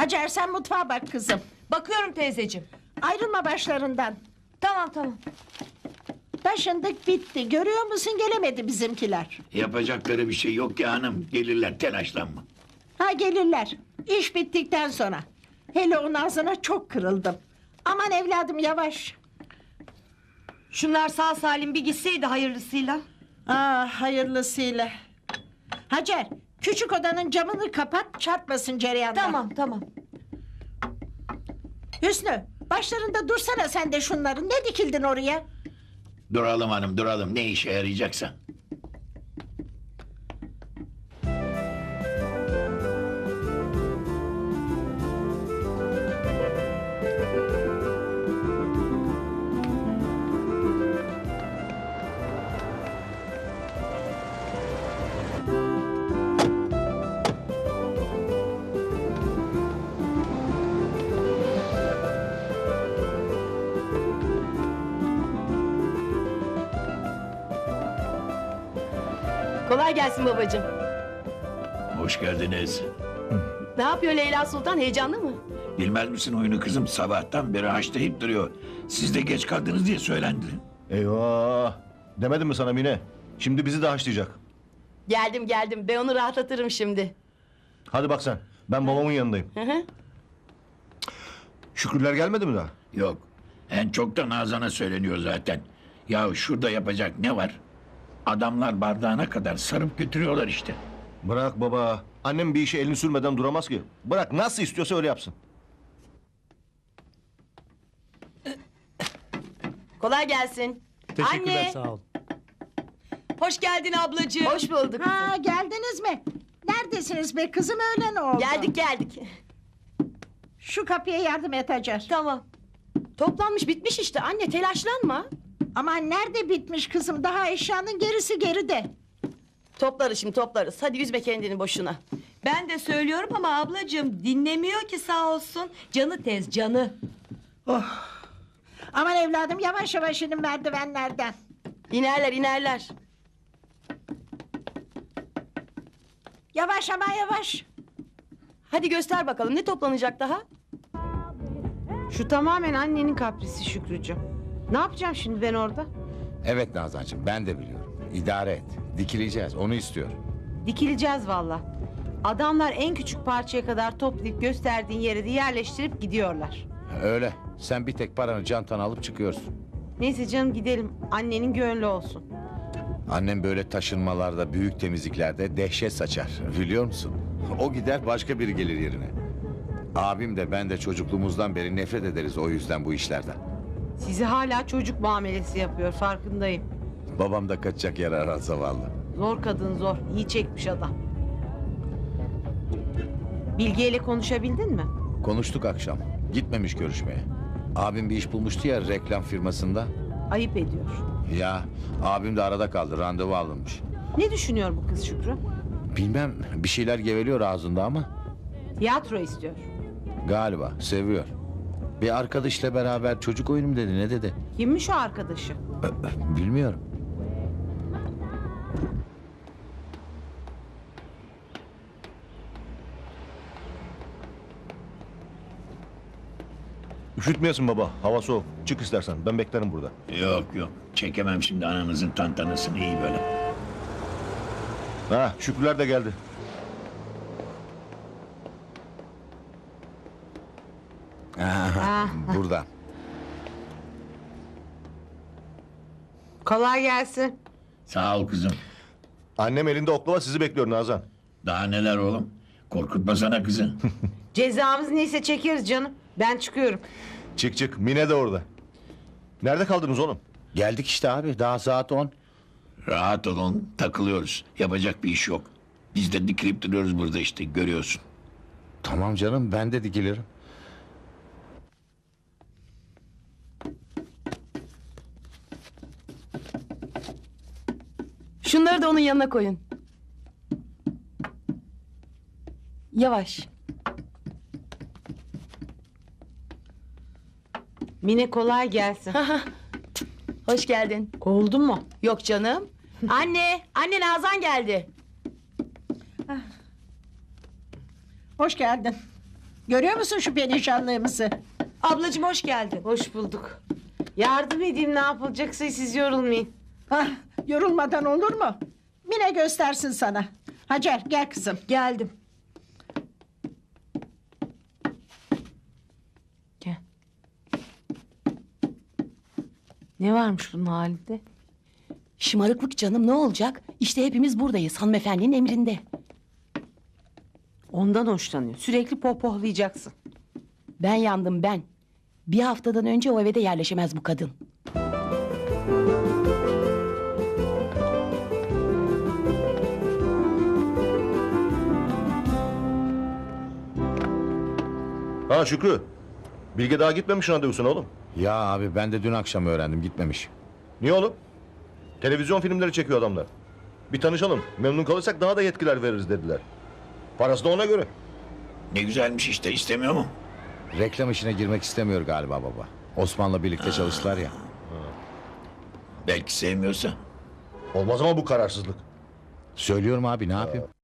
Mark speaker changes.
Speaker 1: Hacer sen mutfağa bak kızım.
Speaker 2: Bakıyorum teyzeciğim.
Speaker 1: Ayrılma başlarından.
Speaker 2: Tamam.
Speaker 1: Taşındık bitti. Görüyor musun gelemedi bizimkiler.
Speaker 3: Yapacakları bir şey yok ya hanım. Gelirler, telaşlanma.
Speaker 1: Ha gelirler. İş bittikten sonra. Hele o Nazan'a çok kırıldım. Aman evladım yavaş.
Speaker 2: Şunlar sağ salim bir gitseydi hayırlısıyla.
Speaker 1: Ah hayırlısıyla. Hacer küçük odanın camını kapat çarpmasın cereyandan.
Speaker 2: Tamam.
Speaker 1: Hüsnü başlarında dursana sen de şunların. Ne dikildin oraya?
Speaker 3: Duralım hanım, duralım. Ne işe yarayacaksa.
Speaker 4: Kolay gelsin babacığım.
Speaker 3: Hoş geldiniz.
Speaker 4: Ne yapıyor Leyla Sultan, heyecanlı mı?
Speaker 3: Bilmez misin oyunu kızım? Sabahtan beri haşlayıp duruyor. Siz de geç kaldınız diye söylendi.
Speaker 5: Eyvah! Demedim mi sana Mine? Şimdi bizi de haşlayacak.
Speaker 4: Geldim, ben onu rahatlatırım şimdi.
Speaker 5: Hadi bak sen, ben babamın yanındayım.
Speaker 4: Hı.
Speaker 5: Şükrüler gelmedi mi daha?
Speaker 3: Yok. En çok da Nazan'a söyleniyor zaten. Ya şurada yapacak ne var? Adamlar bardağına kadar sarıp götürüyorlar işte.
Speaker 5: Bırak baba, annem bir işe elini sürmeden duramaz ki. Bırak, nasıl istiyorsa öyle yapsın.
Speaker 4: Kolay gelsin.
Speaker 6: Teşekkürler,
Speaker 2: Anne.
Speaker 6: sağ ol.
Speaker 2: Hoş geldin ablacığım.
Speaker 4: Hoş bulduk.
Speaker 1: Ha geldiniz mi? Neredesiniz be kızım öğlen oldu.
Speaker 4: Geldik.
Speaker 1: Şu kapıya yardım et Hacer.
Speaker 4: Tamam. Toplanmış bitmiş işte anne, telaşlanma.
Speaker 1: Aman nerede bitmiş kızım? Daha eşyanın gerisi geride.
Speaker 4: Toplarız şimdi, toplarız. Hadi üzme kendini boşuna.
Speaker 2: Ben de söylüyorum ama ablacığım dinlemiyor ki sağ olsun. Canı tez canı.
Speaker 1: Aman evladım yavaş yavaş inin merdivenlerden.
Speaker 4: İnerler.
Speaker 1: Yavaş ama yavaş.
Speaker 4: Hadi göster bakalım, ne toplanacak daha?
Speaker 7: Şu tamamen annenin kaprisi Şükrücüğüm. Ne yapacağım şimdi ben orada?
Speaker 8: Evet Nazancığım, ben de biliyorum. İdare et. Dikileceğiz, onu istiyor.
Speaker 7: Dikileceğiz valla. Adamlar en küçük parçaya kadar toplayıp gösterdiğin yere de yerleştirip gidiyorlar.
Speaker 8: Öyle. Sen bir tek paranı çantana alıp çıkıyorsun.
Speaker 7: Neyse canım gidelim. Annenin gönlü olsun.
Speaker 8: Annem böyle taşınmalarda, büyük temizliklerde dehşet saçar. Biliyor musun? O gider, başka biri gelir yerine. Abim de ben de çocukluğumuzdan beri nefret ederiz o yüzden bu işlerden.
Speaker 7: Sizi hala çocuk muamelesi yapıyor farkındayım.
Speaker 8: Babam da kaçacak yer arar zavallı.
Speaker 7: Zor kadın zor. İyi çekmiş adam. Bilge ile konuşabildin mi?
Speaker 8: Konuştuk akşam. Gitmemiş görüşmeye. Abim bir iş bulmuştu ya reklam firmasında.
Speaker 7: Ayıp ediyor.
Speaker 8: Ya abim de arada kaldı, randevu alınmış.
Speaker 7: Ne düşünüyor bu kız Şükrü?
Speaker 8: Bilmem, bir şeyler geveliyor ağzında ama
Speaker 7: Tiyatro istiyor.
Speaker 8: galiba seviyor. Bir arkadaşla beraber çocuk oyunu mu dedi, ne dedi?
Speaker 7: Kimmiş o arkadaşı?
Speaker 8: Bilmiyorum.
Speaker 5: Üşütmeyesin baba, hava soğuk. Çık istersen, ben beklerim burada.
Speaker 3: Yok. Çekemem şimdi ananızın tantanasını iyi böyle.
Speaker 5: Ha, Şükrüler de geldi.
Speaker 8: Aha, burada.
Speaker 7: Kolay gelsin.
Speaker 3: Sağ ol kızım.
Speaker 5: Annem elinde oklava sizi bekliyor Nazan.
Speaker 3: Daha neler oğlum? Korkutmasana kızı.
Speaker 7: Cezamız neyse çekeriz canım. Ben çıkıyorum.
Speaker 5: Çık, Mine de orada. Nerede kaldınız oğlum?
Speaker 8: Geldik işte abi, daha saat 10.
Speaker 3: Rahat olun, takılıyoruz. Yapacak bir iş yok. Biz de dikilip duruyoruz burada işte, görüyorsun.
Speaker 8: Tamam canım, ben de dikilirim.
Speaker 4: Şunları da onun yanına koyun. Yavaş.
Speaker 7: Mine kolay gelsin.
Speaker 4: Hoş geldin.
Speaker 7: Oldu mu?
Speaker 4: Yok canım. Anne Nazan geldi.
Speaker 1: Hoş geldin. Görüyor musun şu perişanlığımızı?
Speaker 2: Ablacığım hoş geldin.
Speaker 7: Hoş bulduk. Yardım edeyim ne yapılacaksa siz yorulmayın.
Speaker 1: Ah, yorulmadan olur mu? Mine göstersin sana. Hacer gel kızım.
Speaker 2: Geldim.
Speaker 7: Gel. Ne varmış bunun halinde?
Speaker 4: Şımarıklık canım ne olacak? İşte hepimiz buradayız hanımefendinin emrinde.
Speaker 7: Ondan hoşlanıyor. Sürekli pohpohlayacaksın.
Speaker 4: Ben yandım ben. Bir haftadan önce o eve de yerleşemez bu kadın.
Speaker 5: Ha Şükrü. Bilge daha gitmemiş randevusuna oğlum.
Speaker 8: Ya abi ben de dün akşam öğrendim gitmemiş.
Speaker 5: Niye oğlum? Televizyon filmleri çekiyor adamlar. Bir tanışalım. Memnun kalırsak daha da yetkiler veririz dediler. Parası da ona göre.
Speaker 3: Ne güzelmiş işte, istemiyor mu?
Speaker 8: Reklam işine girmek istemiyor galiba baba. Osman'la birlikte çalıştılar ya.
Speaker 3: Belki sevmiyorsa.
Speaker 5: Olmaz ama bu kararsızlık.
Speaker 8: Söylüyorum abi ne yapayım?